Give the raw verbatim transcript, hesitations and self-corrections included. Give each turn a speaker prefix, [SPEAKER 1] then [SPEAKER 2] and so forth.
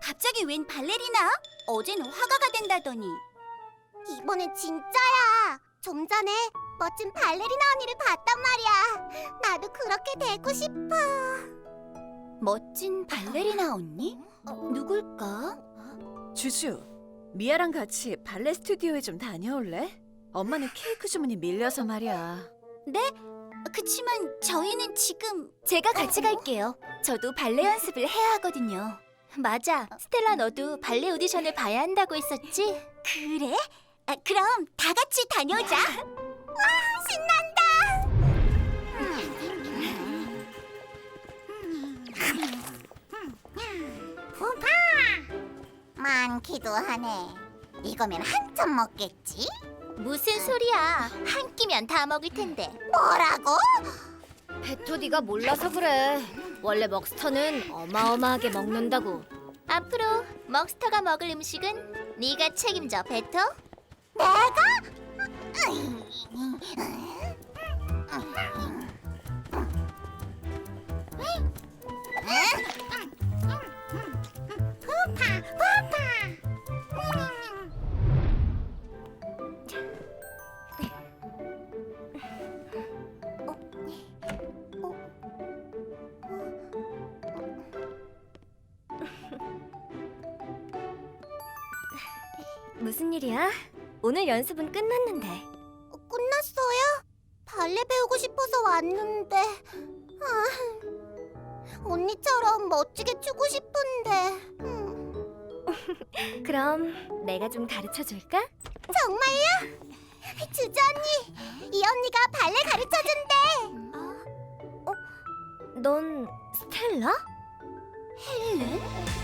[SPEAKER 1] 갑자기 웬 발레리나? 어제는 화가가 된다더니.
[SPEAKER 2] 이번엔 진짜야. 좀 전에 멋진 발레리나 언니를 봤단 말이야. 나도 그렇게 되고 싶어.
[SPEAKER 1] 멋진 발레리나 언니? 누굴까?
[SPEAKER 3] 주주, 미아랑 같이 발레 스튜디오에 좀 다녀올래? 엄마는 케이크 주문이 밀려서 말이야.
[SPEAKER 1] 네? 그치만 저희는 지금... 제가 같이 갈게요. 저도 발레 연습을 해야 하거든요. 맞아. 스텔라 너도 발레 오디션을 봐야 한다고 했었지? 그래? 아, 그럼 다 같이 다녀오자.
[SPEAKER 2] 와, 신난다. 푸파! 많기도 하네. 이거면 한점 먹겠지?
[SPEAKER 1] 무슨 소리야. 한 끼면 다 먹을 텐데.
[SPEAKER 2] 뭐라고?
[SPEAKER 4] 베토 네가 몰라서 그래. 원래 먹스터는 어마어마하게 먹는다고.
[SPEAKER 1] 앞으로 먹스터가 먹을 음식은 네가 책임져, 베토.
[SPEAKER 2] 내가? 푸파, 푸파.
[SPEAKER 4] 무슨 일이야? 오늘 연습은 끝났는데.
[SPEAKER 2] 끝났어요? 발레 배우고 싶어서 왔는데. 아, 언니처럼 멋지게 추고 싶은데. 음,
[SPEAKER 4] 그럼 내가 좀 가르쳐 줄까?
[SPEAKER 2] 정말요? 주주 언니, 이 언니가 발레 가르쳐 준대.
[SPEAKER 4] 넌 스텔라?
[SPEAKER 1] 헬렌?